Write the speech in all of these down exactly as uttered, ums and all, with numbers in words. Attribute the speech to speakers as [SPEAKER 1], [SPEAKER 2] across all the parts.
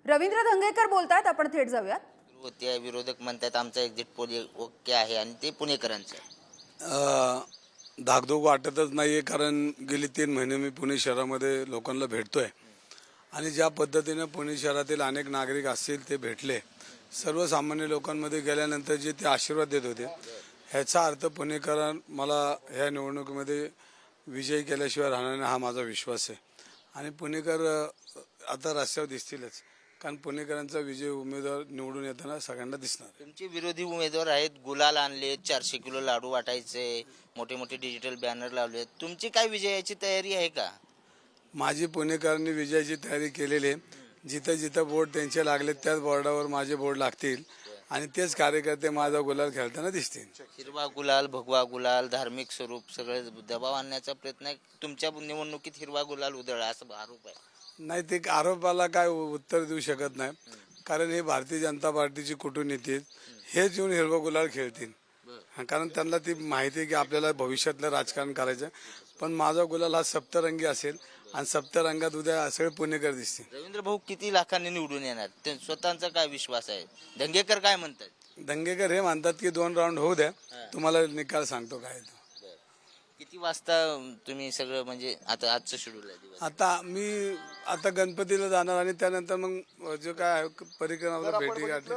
[SPEAKER 1] रवींद्र धंगेकर बोलतात, आपण थेट जाऊयात.
[SPEAKER 2] होते विरोधक म्हणतात आमचा एक्झिट पोल ओके आहे आणि ते पुणेकरांचं.
[SPEAKER 3] धाकधूक वाटतच नाहीये, कारण गेली तीन महिने मी पुणे शहरामध्ये लोकांना भेटतोय आणि ज्या पद्धतीने पुणे शहरातील अनेक नागरिक असतील ते भेटले. सर्वसामान्य लोकांमध्ये गेल्यानंतर जे ते आशीर्वाद देत होते, ह्याचा अर्थ पुणेकर मला ह्या निवडणुकीमध्ये विजयी केल्याशिवाय राहणार नाही हा माझा विश्वास आहे. आणि पुणेकर आता रस्त्यावर दिसतीलच, कारण पुणेकरांचा विजय उमेदवार निवडून येताना सगळ्यांना दिसणार.
[SPEAKER 2] तुमचे विरोधी उमेदवार आहेत, गुलाल आणले, चारशे किलो लाडू वाटायचे, मोठे मोठे डिजिटल बॅनर लावले. तुमची काय विजयाची तयारी आहे का?
[SPEAKER 3] माझी पुणेकरांनी विजयाची तयारी केलेली आहे. जिथं जिथं बोर्ड त्यांचे लागले त्याच बोर्डावर माझे बोर्ड लागतील आणि तेच कार्यकर्ते माझा गुलाल खेळताना दिसतील.
[SPEAKER 2] हिरवा गुलाल, भगवा गुलाल, धार्मिक स्वरूप सगळे दबाव आणण्याचा प्रयत्न आहे. तुमच्या निवडणुकीत हिरवा गुलाल उधळला असं आरोप आहे.
[SPEAKER 3] नाही, ते आरोपाला काय उत्तर देऊ शकत नाही, कारण हे भारतीय जनता पार्टीची कूटनीती आहेत. हेच येऊन हिरवा गुलाल खेळतील, कारण त्यांना ती माहिती आहे की आपल्याला भविष्यातलं राजकारण करायचं. पण माझा गुलाल हा सप्तरंगी असेल आणि सप्तरंगात उद्या सगळे पुणेकर दिसतील.
[SPEAKER 2] रवींद्र भाऊ किती लाखांनी निवडून येणार, ते स्वतःचा काय विश्वास आहे? धंगेकर काय म्हणतात?
[SPEAKER 3] दंगेकर हे म्हणतात की दोन राऊंड होऊ द्या, तुम्हाला निकाल सांगतो काय तो.
[SPEAKER 2] किती वाजता तुम्ही सगळं, म्हणजे आता आजचं शेड्यूल आहे दिवस?
[SPEAKER 3] आता मी आता गणपतीला जाणार आणि त्यानंतर मग जो काय परिक्रमाला भेटी गाठी.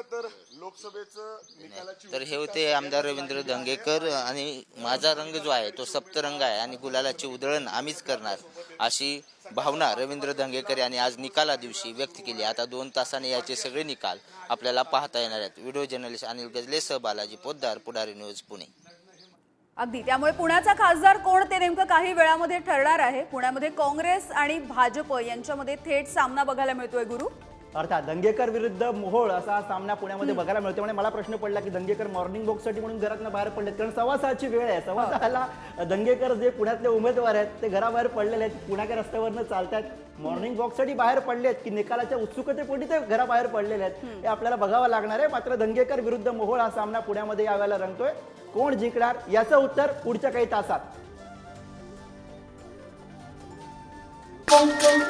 [SPEAKER 2] तर हे होते आमदार रवींद्र धंगेकर. आणि माझा रंग जो आहे तो सप्तरंग आहे आणि गुलालाची उधळण आम्हीच करणार, अशी भावना रवींद्र धंगेकर यांनी आज निकाला दिवशी व्यक्त केली. आता दोन तासाने याचे सगळे निकाल आपल्याला पाहता येणार आहेत. व्हिडिओ जर्नलिस्ट अनिल गजले सह बालाजी पोद्दार, पुढारी न्यूज, पुणे.
[SPEAKER 1] अगदी, त्यामुळे पुण्याचा खासदार कोण ते नेमकं काही वेळामध्ये ठरणार आहे. पुण्यामध्ये काँग्रेस आणि भाजप यांच्यामध्ये थेट सामना बघायला मिळतोय. गुरु,
[SPEAKER 4] अर्थात दंगेकर विरुद्ध मोहोळ असा सामना पुण्यामध्ये बघायला मिळतो. म्हणजे मला प्रश्न पडला की दंगेकर मॉर्निंग वॉकसाठी म्हणून घरातनं बाहेर पडलेत, कारण सव्वा सहाची वेळ आहे. सव्वा सहाला दंगेकर जे पुण्यातले उमेदवार आहेत ते घराबाहेर पडलेले आहेत, पुण्याच्या रस्त्यावरनं चालतात, मॉर्निंग वॉकसाठी बाहेर पडलेत की निकालाच्या उत्सुकतेपोटी ते घराबाहेर पडलेले आहेत, हे आपल्याला बघावं लागणार आहे. मात्र दंगेकर विरुद्ध मोहोळ हा सामना पुण्यामध्ये यावेळेला रंगतोय. कोण जिंकणार याचं उत्तर पुढच्या काही तासात.